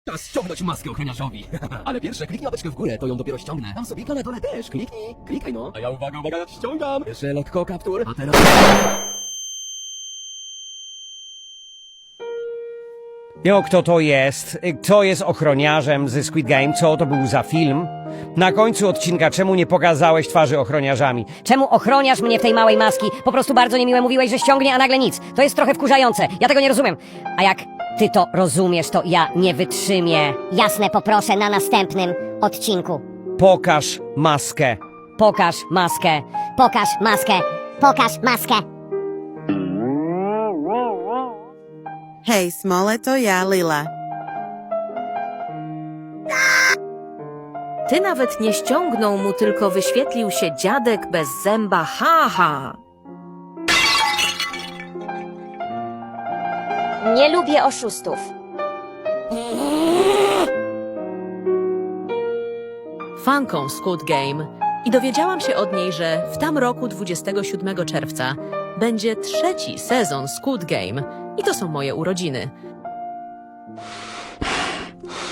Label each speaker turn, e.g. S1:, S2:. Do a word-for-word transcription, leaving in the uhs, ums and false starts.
S1: Czas ściągnąć maskę ochroniarzowi. Ale pierwsze kliknij łapeczkę w górę, to ją dopiero ściągnę. Tam sobie na dole też, kliknij, klikaj no. A ja uwaga, uwaga, ściągam. Jeszcze lekko kaptur, a teraz...
S2: Jo, kto to jest? Kto jest ochroniarzem ze Squid Game? Co to był za film? Na końcu odcinka czemu nie pokazałeś twarzy ochroniarzami?
S3: Czemu ochroniasz mnie w tej małej maski? Po prostu bardzo niemiłe mówiłeś, że ściągnie, a nagle nic. To jest trochę wkurzające. Ja tego nie rozumiem. A jak ty to rozumiesz, to ja nie wytrzymię.
S4: Jasne, poproszę na następnym odcinku.
S2: Pokaż maskę.
S3: Pokaż maskę.
S4: Pokaż maskę. Pokaż maskę.
S5: Hej, Smole, to ja, Lila.
S6: Ty nawet nie ściągnął mu, tylko wyświetlił się dziadek bez zęba, ha, ha.
S7: Nie lubię oszustów.
S6: Fanką Squid Game i dowiedziałam się od niej, że w tam roku dwudziestego siódmego czerwca będzie trzeci sezon Squid Game i to są moje urodziny.